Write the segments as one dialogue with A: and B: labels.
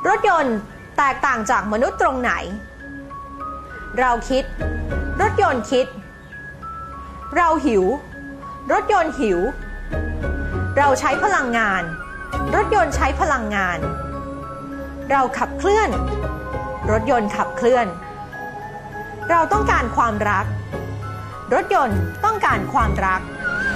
A: รถยนต์แตกต่างจากมนุษย์ตรงไหนเราคิดรถยนต์คิดเราหิวรถยนต์หิวเราใช้พลังงานรถยนต์ใช้พลังงานเราขับเคลื่อนรถยนต์ขับเคลื่อนเราต้องการความรักรถยนต์ต้องการความรัก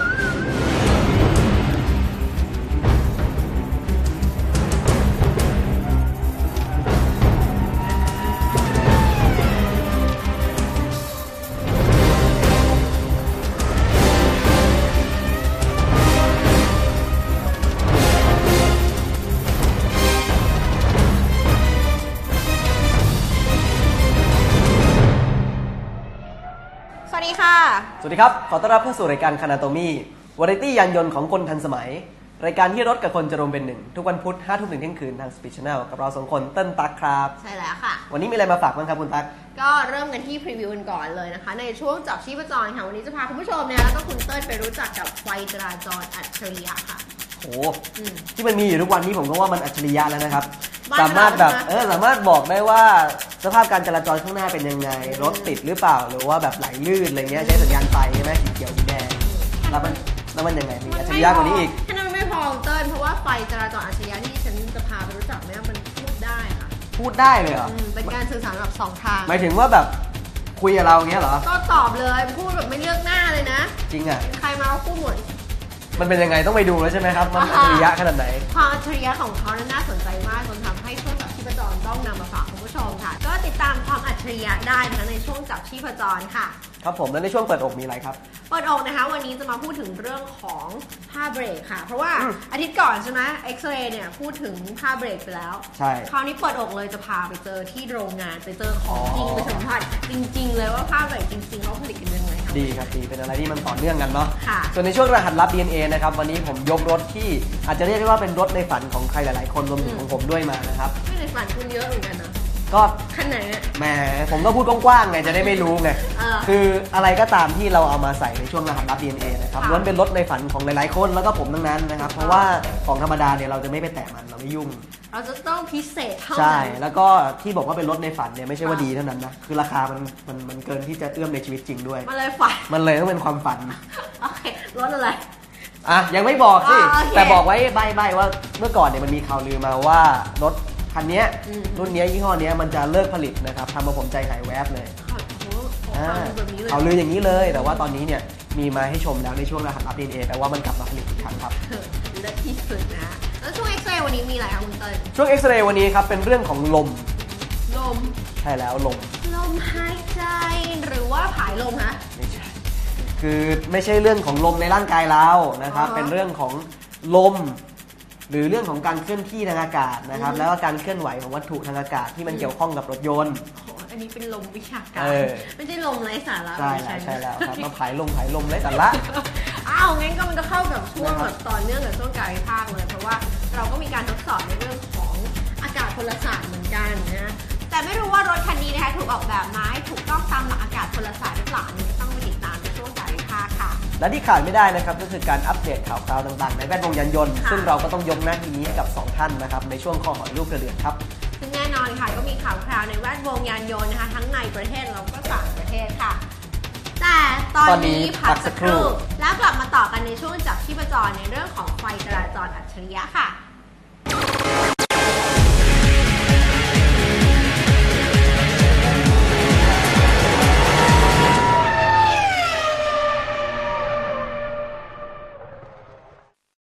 B: สวัสดีครับขอต้อนรับเข้าสู่รายการคานาโตมี่วาไรตี้ยานยนต์ของคนทันสมัยรายการที่รถกับคนจะรวมเป็นหนึ่งทุกวันพุธ 5 ทุ่มถึงเที่ยงคืนทาง Speed Channel กับเรา2คนเติ้ลตั๊กครับ
C: ใช่แล้วค่ะ
B: วันนี้มีอะไรมาฝากบ้างครับคุณตั๊ก
C: ก็เริ่มกันที่พรีวิวกันก่อนเลยนะคะในช่วงจับชีพจรค่ะวันนี้จะพาคุณผู้ชมเนี่ยแล้วก็คุณเติ้ลไปรู้จักกับไฟจราจรอัจฉริยะค่ะ
B: โอ้ที่มันมีอยู่ทุกวันนี้ผมก็ว่ามันอัจฉริยะแล้วนะครับสามารถแบบสามารถบอกได้ว่าสภาพการจราจรข้างหน้าเป็นยังไงรถติดหรือเปล่าหรือว่าแบบไหลลื่นอะไรเงี้ยใช้สัญญาณไฟใช่ไหมสีเขียวสีแดงแล้วมันยังไงมีอัจฉริยะกว่านี้อีก
C: แค่นั้นไม่พอเติ้ลเพราะว่าไฟจราจรอัจฉริยะที่ฉันจะพาไปรู้จักเนี่ยมันพูดได้ค่ะ
B: พูดได้เลยเหรอ
C: เป็นการสื่อสารแบบ2 ทาง
B: หมายถึงว่าแบบคุยกับเราอย่างเงี้ยเหรอ
C: ก็ตอบเลยพูดแบบไม่เลือกหน้าเลยนะ
B: จริงอ่ะ
C: ใครมาก็พูดหมด
B: มันเป็นยังไงต้องไปดูแล้วใช่ไหมครับมันอัจฉริยะขนาดไหน
C: ความอัจฉริยะของเขาน่าสนใจมากจนทำให้ช่วงจับชีพจรต้องนำมาฝากคุณผู้ชมค่ะก็ติดตามความอัจฉริยะได้นะคะในช่วงจับชีพจรค่ะ
B: ครับผมแล้วในช่วงเปิดอกมีอะไรครับ
C: เปิดอกนะคะวันนี้จะมาพูดถึงเรื่องของผ้าเบรกค่ะเพราะว่าอาทิตย์ก่อนใช่ไหมเอ็กซเรย์เนี่ยพูดถึงผ้าเบรกไปแล้ว
B: ใช่
C: คราวนี้เปิดอกเลยจะพาไปเจอที่โรงงานไปเจอของจริงไปสัมผัสจริงๆเลยว่าผ้าเบรกจริงๆเขาผลิตกันยังไงครับ
B: ดีครับดีเป็นอะไรที่มันต่อเนื่องกันเนาะ
C: ค่ะ
B: ส่วนในช่วงรหัสลับ DNA นะครับวันนี้ผมยกรถที่อาจจะเรียกได้ว่าเป็นรถในฝันของใครหลายๆคนรวมถึงของผมด้วยมานะครับ
C: ไม่ในฝันคุณเยอะเหมือนกันนะ
B: ก็
C: ขั้นไหน
B: แหมผมก็พูดกว้างๆไงจะได้ไม่รู้ไงคืออะไรก็ตามที่เราเอามาใส่ในช่วงรหัสลับ DNA นะครับล้วนเป็นรถในฝันของหลายๆคนแล้วก็ผมทั้งนั้นนะครับเพราะว่าของธรรมดาเนี่ยเราจะไม่ไปแตะมันเราไม่ยุ่ง
C: เราจะต้องพิเศษเท่านั้น
B: ใช่แล้วก็ที่บอกว่าเป็นรถในฝันเนี่ยไม่ใช่ว่าดีเท่านั้นนะคือราคามันเกินที่จะเอื้อมในชีวิตจริงด้วย
C: มันเลยฝัน
B: มันเลยต้องเป็นความฝัน
C: โอเครถอะไร
B: ยังไม่บอกสิแต่บอกไว้ใบ้ว่าเมื่อก่อนเนี่ยมันมีข่าวลือมาว่ารถคันนี้รุ่นนี้ยี่ห้อนี้มันจะเลิกผลิตนะครับทำมาผมใจหายแวบเลยข่าวลืออย่างนี้เลยแต่ว่าตอนนี้เนี่ยมีมาให้ชมแล้วในช่วงรหัสลับ DNA แต่ว่ามันกลับมาผลิตอีกครั้งครับ
C: เลิศที่สุดนะแล้วช่วงเอ็กซเรย์วันนี้มีอะไรครับคุณเติ้ล
B: ช่วงเอ็กซเรย์วันนี้ครับเป็นเรื่องของลมใช่แล้วลม
C: หายใจหรือว่าผายลมฮะ
B: ไม่ใช่คือไม่ใช่เรื่องของลมในร่างกายเรานะครับเป็นเรื่องของลมหรือเรื่องของการเคลื่อนที่ทางอากาศนะครับแล้วก็การเคลื่อนไหวของวัตถุทางอากาศที่มันเกี่ยวข้องกับรถยนต์
C: อันนี้เป็นลมวิชาการไม่ใช่ลมไร้สาระ
B: ใช่แล้วครับมาผายลมไร้สาระ
C: งั้นก็มันจะเข้ากับช่วงแบบต่อเนื่องกับช่วงการวิพากษ์เลยเพราะว่าเราก็มีการทดสอบในเรื่องของอากาศพลศาสตร์เหมือนกันนะแต่ไม่รู้ว่ารถคันนี้นะคะถูกออกแบบมาให้ถูกต้องตามหลักอากาศพลศาสตร์หรือเปล่านี่ต้องไปติดตามในช่วงการวิพากษ์ค่ะ
B: และที่ขาดไม่ได้นะครับก็คือการอัปเดตข่าวคราวต่างๆในแวดวงยานยนต์ซึ่งเราก็ต้องยกหน้าที่นี้ให้กับ2ท่านนะครับในช่วงข้อหอยลูกกระเดือกครับ
C: ซึ่งแน่นอนค่ะก็มีข่าวคราวในแวดวงยานยนต์นะคะทั้งในประเทศแล้วก็ต่างประเทศค่ะแต่ตอนนี้พักสักครู่แล้วกลับมาต่อกันในช่วงจับชีพจรในเรื่องของไฟจราจรอัจฉริยะค่ะ